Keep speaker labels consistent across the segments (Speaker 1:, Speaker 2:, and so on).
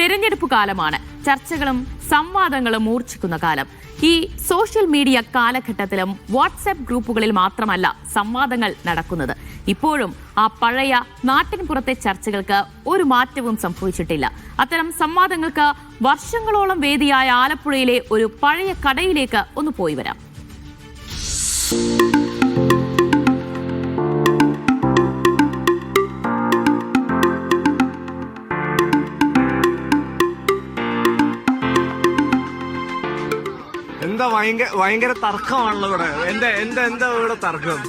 Speaker 1: തെരഞ്ഞെടുപ്പ് കാലമാണ്. ചർച്ചകളും സംവാദങ്ങളും മൂർച്ഛിക്കുന്ന കാലം. ഈ സോഷ്യൽ മീഡിയ കാലഘട്ടത്തിലും വാട്സ്ആപ്പ് ഗ്രൂപ്പുകളിൽ മാത്രമല്ല സംവാദങ്ങൾ നടക്കുന്നത്. ഇപ്പോഴും ആ പഴയ നാട്ടിൻപുറത്തെ ചർച്ചകൾക്ക് ഒരു മാറ്റവും സംഭവിച്ചിട്ടില്ല. അത്തരം സംവാദങ്ങൾക്ക് വർഷങ്ങളോളം വേദിയായ ആലപ്പുഴയിലെ ഒരു പഴയ കടയിലേക്ക് ഒന്ന് പോയി വരാം.
Speaker 2: എന്താ ഭയങ്കര തർക്കമാണല്ലോ ഇവിടെ. എന്താ ഇവിടെ തർക്കം?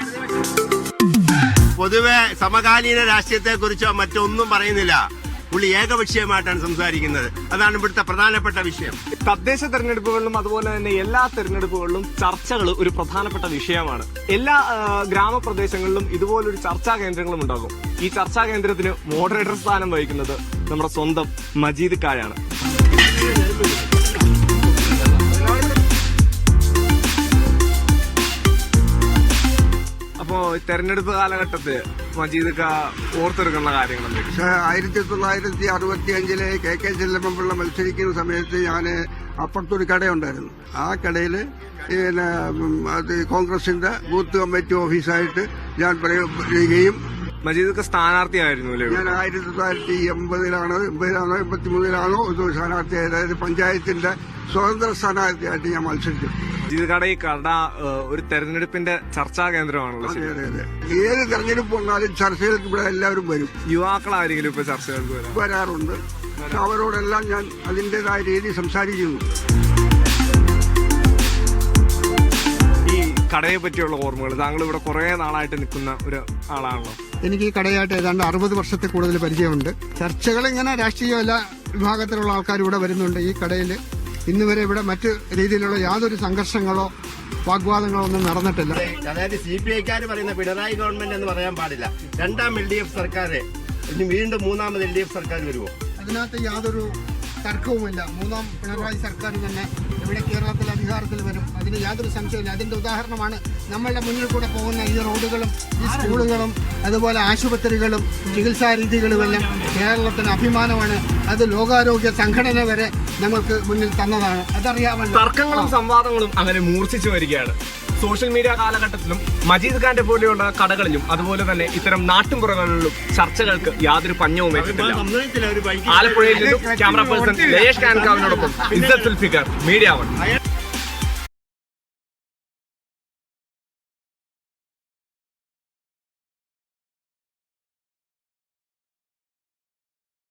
Speaker 3: പൊതുവെ സമകാലീന രാഷ്ട്രീയത്തെ കുറിച്ചോ മറ്റൊന്നും പറയുന്നില്ല. പുള്ളി ഏകപക്ഷീയമായിട്ടാണ് സംസാരിക്കുന്നത്. അതാണ് ഇവിടുത്തെ പ്രധാനപ്പെട്ട വിഷയം.
Speaker 2: തദ്ദേശ തെരഞ്ഞെടുപ്പുകളിലും അതുപോലെ തന്നെ എല്ലാ തെരഞ്ഞെടുപ്പുകളിലും ചർച്ചകൾ ഒരു പ്രധാനപ്പെട്ട വിഷയമാണ്. എല്ലാ ഗ്രാമപ്രദേശങ്ങളിലും ഇതുപോലൊരു ചർച്ചാ കേന്ദ്രങ്ങളും ഉണ്ടാകും. ഈ ചർച്ചാ കേന്ദ്രത്തിന് മോഡറേറ്റർ സ്ഥാനം വഹിക്കുന്നത് നമ്മുടെ സ്വന്തം മജീദ് കായാണ്. അപ്പോ തെരഞ്ഞെടുപ്പ് കാലഘട്ടത്തിൽ മജീദ് ഓർത്തെടുക്കുന്ന കാര്യങ്ങൾ
Speaker 4: 1965 KK ചെല്ലമ്മപിള്ള മത്സരിക്കുന്ന സമയത്ത് ഞാൻ അപ്പുറത്തൊരു കടയുണ്ടായിരുന്നു. ആ കടയിൽ അത് കോൺഗ്രസിന്റെ ബൂത്ത് കമ്മിറ്റി ഓഫീസായിട്ട് ഞാൻ പറയുകയും
Speaker 2: മജീദ് സ്ഥാനാർത്ഥിയായിരുന്നു.
Speaker 4: ഞാൻ 1980-ലാണോ 83-ലാണോ ഒരു സ്ഥാനാർത്ഥിയായത്. അതായത് പഞ്ചായത്തിന്റെ സ്വതന്ത്ര സ്ഥാനാർത്ഥിയായിട്ട് ഞാൻ മത്സരിച്ചു.
Speaker 2: മജീദ് ഈ കട ഒരു തെരഞ്ഞെടുപ്പിന്റെ ചർച്ചാ കേന്ദ്രമാണല്ലോ.
Speaker 4: ഏത് തെരഞ്ഞെടുപ്പ് വന്നാലും ചർച്ചകൾക്ക് ഇവിടെ എല്ലാവരും വരും.
Speaker 2: യുവാക്കളാരെങ്കിലും ഇപ്പൊ ചർച്ചകൾക്ക്
Speaker 4: വരാറുണ്ട്. അവരോടെല്ലാം ഞാൻ അതിന്റേതായ രീതി സംസാരിക്കുന്നു.
Speaker 2: ഈ കടയെ പറ്റിയുള്ള ഓർമ്മകൾ, താങ്കൾ ഇവിടെ കുറെ നാളായിട്ട് നിൽക്കുന്ന ഒരു ആളാണല്ലോ.
Speaker 5: എനിക്ക് ഈ കടയായിട്ട് ഏതാണ്ട് 60 വർഷത്തിൽ കൂടുതൽ പരിചയമുണ്ട്. ചർച്ചകൾ ഇങ്ങനെ രാഷ്ട്രീയ എല്ലാ വിഭാഗത്തിലുള്ള ആൾക്കാർ ഇവിടെ വരുന്നുണ്ട്. ഈ കടയിൽ ഇന്ന് വരെ ഇവിടെ മറ്റു രീതിയിലുള്ള യാതൊരു സംഘർഷങ്ങളോ വാഗ്വാദങ്ങളോ ഒന്നും നടന്നിട്ടില്ല.
Speaker 3: അതായത് CPIക്കാർ പറയുന്ന പിണറായി ഗവൺമെന്റ് എന്ന് പറയാൻ പാടില്ല. രണ്ടാം LDF സർക്കാർ, ഇനി വീണ്ടും മൂന്നാമത് LDF സർക്കാർ വരുമോ?
Speaker 5: അതിനകത്ത് യാതൊരു തർക്കവുമില്ല. മൂന്നാം പിണറായി സർക്കാർ തന്നെ ഇവിടെ കേരളത്തിൽ അധികാരത്തിൽ വരും. അതിന് യാതൊരു സംശയമില്ല. അതിന്റെ ഉദാഹരണമാണ് നമ്മളുടെ മുന്നിൽ കൂടെ പോകുന്ന ഈ റോഡുകളും ഈ സ്കൂളുകളും അതുപോലെ ആശുപത്രികളും ചികിത്സാ രീതികളുമെല്ലാം കേരളത്തിന് അഭിമാനമാണ്. അത് ലോകാരോഗ്യ സംഘടന വരെ നമുക്ക് മുന്നിൽ തന്നതാണ്. അതറിയാമല്ലോ.
Speaker 2: തർക്കങ്ങളും സംവാദങ്ങളും അങ്ങനെ മൂർച്ഛിച്ചു വരികയാണ്. സോഷ്യൽ മീഡിയ കാലഘട്ടത്തിലും മജീദ് ഖാന്റെ പോലെയുള്ള കടകളിലും അതുപോലെ തന്നെ ഇത്തരം നാട്ടിൻപുറങ്ങളിലും ചർച്ചകൾക്ക് യാതൊരു പഞ്ഞവും വെച്ചിട്ടില്ല. ആലപ്പുഴയിൽ നിന്നും ക്യാമറ പേഴ്സൺ ലയേഷ് കാൻകാവിനോടൊപ്പം ഇസ്സത്ത് സുൽഫിക്കർ, മീഡിയ 1.